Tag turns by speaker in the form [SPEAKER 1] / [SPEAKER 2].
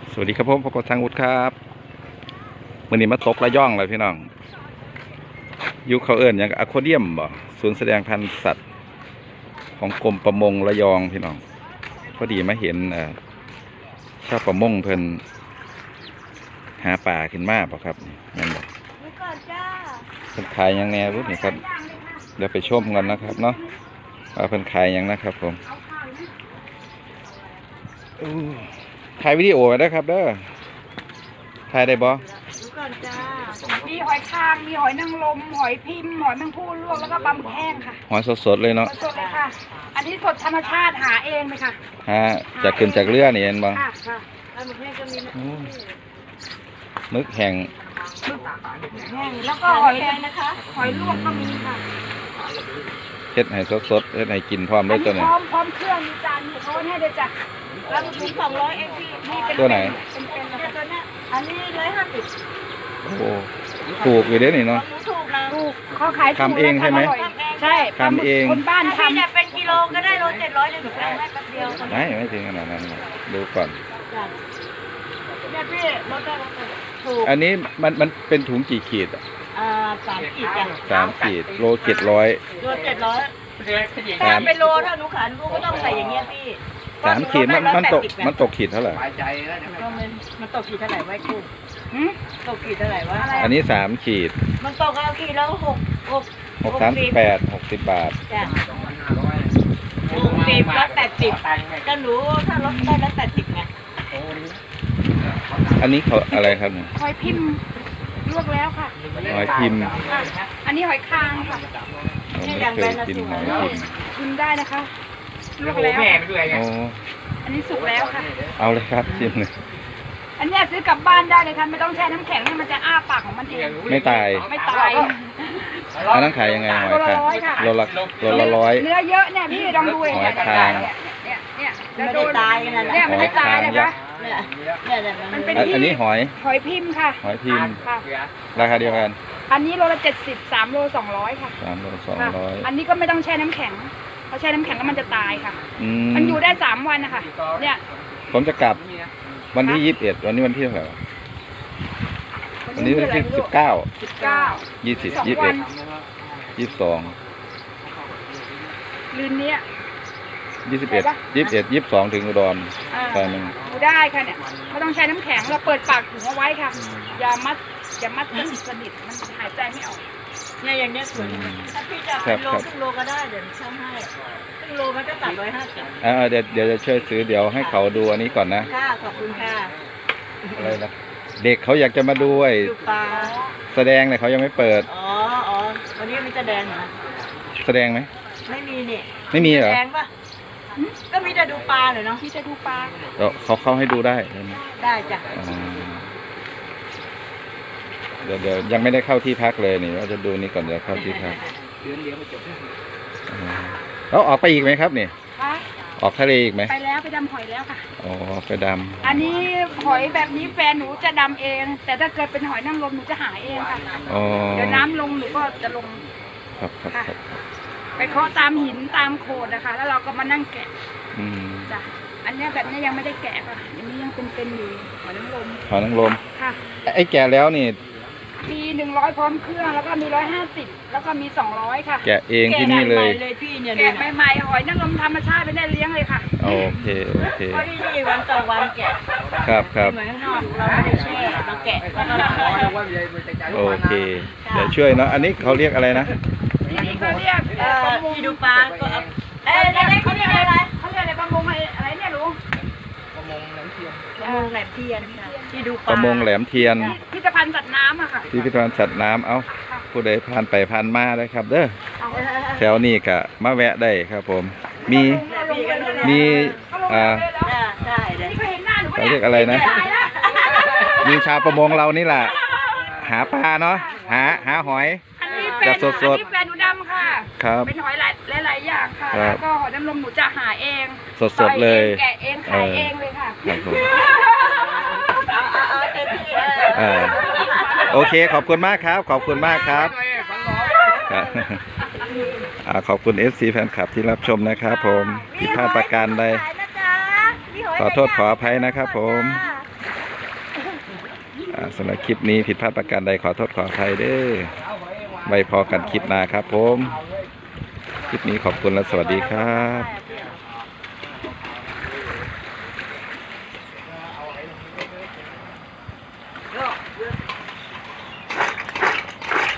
[SPEAKER 1] สวัสดีครับผมพบกับทางวุฒิครับวันนี้มาตกระย่องเลยพี่น้องยุคเขาเอิญอย่างอะโคเดียมบ่ศูนย์แสดงพันธุ์สัตว์ของกรมประมงระยองพี่น้องพอดีมาเห็นชาวประมงเพิ่นหาป่าขึ้นมาป่ะครับนั่นบ่เพิ่นขายยังแน่รู้นี่ครับเดี๋ยวไปชมกันนะครับเนาะว่าเพิ่นขายยังนะครับผมถ่ายวิดีโอไว้ได้ครับเด้อถ่ายได้บ่
[SPEAKER 2] มีหอยคางมีหอยนางรมหอยพิมพ์หอยแมงผู้ลวกแล้วก็ปลาหมึกแห้งค่ะ
[SPEAKER 1] หอยสดๆเลยเนาะ
[SPEAKER 2] สดเลยค่ะอันนี้สดธรรมชาติหาเองเลยค่ะ
[SPEAKER 1] จากขึ้นจากเรือนี่เห็นบ่
[SPEAKER 2] ค่ะปลาหมึกแห้งก็มี
[SPEAKER 1] มึกแห้ง
[SPEAKER 2] แห้งแล้วก็หอยแดงนะคะหอยลวกก็มีค่ะ
[SPEAKER 1] เฮ็ดให้สดๆเฮ็ดให้กินพร้อมด้วยตัวนี้
[SPEAKER 2] พร้อมเครื่องมีจานมีโค้ดให้ด้วยจ้ะแล้วถุง200เองพี่นี่เป็น
[SPEAKER 1] ตัวไหน
[SPEAKER 2] เป็นตัวเนี้ยอันนี้150
[SPEAKER 1] โอ้ถูกอยู่เด้นี่เนาะ
[SPEAKER 2] ถูกนะถูกเขาขาย
[SPEAKER 1] ทำเองใช่ไหม
[SPEAKER 2] ใช่
[SPEAKER 1] ทำเอง
[SPEAKER 2] คนบ้านทำเป็นกิโลก็ได้โล700เลยหนูเอาให้แป๊บเดียว
[SPEAKER 1] ไม่ถึงขนาดนั้นดูก่อน
[SPEAKER 2] เนี่ยพี่ลดได้ถูก
[SPEAKER 1] อันนี้มันเป็นถุงกี่ขีด
[SPEAKER 2] 3 ขีดจ้ะ
[SPEAKER 1] 3 ขีดโล700
[SPEAKER 2] โล700ถ้าเป็นโลถ้าหนูขายหนูก็ต้องใส่อย่างเงี้ยพี่
[SPEAKER 1] 3 ขีดมันตกขีดเท่าไหร่
[SPEAKER 2] มันตกขีดเท่าไหร่ไว้กูตกขีดเท่าไหร่วะ
[SPEAKER 1] อันนี้3 ขีด
[SPEAKER 2] มันตกเอาขีดแล้ว
[SPEAKER 1] 638 60 บาท
[SPEAKER 2] จ้ะ60ลด80ก็หนูถ้าลดได้ลด80ไง
[SPEAKER 1] อันนี้เขาอะไรครับ
[SPEAKER 2] หอยพิมพ์ลวกแล้วค่ะ
[SPEAKER 1] หอยพิมพ์
[SPEAKER 2] อันนี้หอยคางค่ะ
[SPEAKER 1] ไม่เคยกินหอยพิมพ์
[SPEAKER 2] กินได้นะคะลวกแล้วอันนี้สุกแล้วค่ะ
[SPEAKER 1] เอาเลยครับชิมเลย
[SPEAKER 2] อันนี้ซื้อกลับบ้านได้เลยค่ะไม่ต้องแช่น้ำแข็งให้มันจะอ้าปากของมันเอง
[SPEAKER 1] ไม่ตายอันนั้นขายยังไงหอยคางโลละ100
[SPEAKER 2] เนื้อเยอะเนี่ยพี่ลองดูเลยเนี่ยไม่ได้ตายกันนะเนี่ยไม่ได้ตายนะคะมันเป็น
[SPEAKER 1] อันนี้ห
[SPEAKER 2] อยพิมพ์ค่ะ
[SPEAKER 1] หอยพิมพ์ราคาเดียวกัน
[SPEAKER 2] อันนี้โลละ70 3 โล 200ค่ะ
[SPEAKER 1] 3 โล 200
[SPEAKER 2] อันนี้ก็ไม่ต้องแช่น้ำแข็งเพราะแช่น้ำแข็งแล้วมันจะตายค่ะมันอยู่ได้3 วันนะคะเนี่ย
[SPEAKER 1] ผมจะกลับวันที่21วันนี้วันที่เท่าไหร่วันนี้วันที่19 20 21 22
[SPEAKER 2] ลืนนี้
[SPEAKER 1] 21 22ถึงอุดรตอนนึง
[SPEAKER 2] ดูได้ค่ะเนี่ยไม่ต้องใช้น้ำแข็งเราเปิดปากถุงเอาไว้ค่ะอย่ามัดสนิทมันหายใจไม่ออกเนี่ยอย่างเนี้ยสวยถ้าพี่จะเป็นโลครึ่งโลก็ได้เดี๋ยวช่างให้ครึ่งโลมันก็350
[SPEAKER 1] เดี๋ยวจะช่วยซื้อเดี๋ยวให้เขาดูอันนี้ก่อนนะ
[SPEAKER 2] ค่ะขอบคุณค่ะ
[SPEAKER 1] อะไรนะเด็กเขาอยากจะมาดู
[SPEAKER 2] ดูปลา
[SPEAKER 1] แสดงเลยเขายังไม่เปิด
[SPEAKER 2] วันนี้มันจะแดงเหรอ
[SPEAKER 1] แสดงไหม
[SPEAKER 2] ไม่มีเนี่ย
[SPEAKER 1] ไม่มีเหรอ
[SPEAKER 2] แดงปะก็มีแต่ดูปลาเนาะมีแต่ดูปลา
[SPEAKER 1] เขาเข้าให้ดูได้
[SPEAKER 2] ได้จ้ะ
[SPEAKER 1] เดี๋ยวยังไม่ได้เข้าที่พักเลยนี่ว่าจะดูนี่ก่อนเดี๋ยวเข้าที่พักแล้วออกไปอีกไหมครับนี่ออกทะเลอีกไหม
[SPEAKER 2] ไปแล้วไปดำหอยแล้วค่ะ
[SPEAKER 1] ไปดำ
[SPEAKER 2] อันนี้หอยแบบนี้แฟนหนูจะดำเองแต่ถ้าเกิดเป็นหอยนางรมหนูจะหาเองค่ะเดี๋ยวน้ำลงหนูก็จะลง
[SPEAKER 1] ครับ
[SPEAKER 2] ไปเคาะตามหินตามโขดนะคะแล้วเราก็มานั่งแกะจ้ะอันนี้แบบนี้ยังไม่ได้แกะค่ะอันนี้ยังเป็นอยู่หอยนางรมค่ะ
[SPEAKER 1] ไอ้แกะแล้วนี่
[SPEAKER 2] มี100พร้อมเครื่องแล้วก็มี150แล้วก็มี200ค่ะ
[SPEAKER 1] แกะเองที่นี่เลย
[SPEAKER 2] แกะใหม่ๆหอยนางรมธรรมชาติไม่ได้เลี้ยงเลยค่ะ
[SPEAKER 1] โอเค
[SPEAKER 2] เพราะที่นี่วันต่อวันแกะ
[SPEAKER 1] ครับ
[SPEAKER 2] เหมือนข้างนอกเราไม่ได้แช่เราแกะ
[SPEAKER 1] โอเคเดี๋ยวช่วยเนาะอันนี้เขาเรียกอะไรนะ
[SPEAKER 2] นี่เขาเรียกที่ดูปลาก็เขาเรียกอะไรประมงอะไรเนี่ยลุงประมงแหลมเทียนที่ดูปลา
[SPEAKER 1] ประมงแหลมเทียน
[SPEAKER 2] พิพิธภัณฑ์สัตว์น้ำอะค่ะ
[SPEAKER 1] พิพิธภัณฑ์สัตว์น้ำผู้ใดผ่านไปผ่านมาได้ครับเด้อแถวนี้ก็มาแวะได้ครับผมมีเขาเรียกอะไรนะมีชาวประมงเรานี่แหละหาปลาเนาะหาหอยจะสด
[SPEAKER 2] แฟนหนูดำค่ะเป็นหอยหลายอย่างค่ะแล้วก็หอยนางรมหนูจะหาเอง
[SPEAKER 1] สดเลย
[SPEAKER 2] แกะเองขายเองเลยค่ะ
[SPEAKER 1] โอเคขอบคุณมากครับขอบคุณมากครับขอบคุณ FC แฟนคลับที่รับชมนะครับผมผิดพลาดประการใดขอโทษขออภัยนะครับผมสำหรับคลิปนี้ผิดพลาดประการใดขอโทษขออภัยเด้อไว้พอกันคลิปหน้าครับผมคลิปนี้ขอบคุณและสวัสดีครับ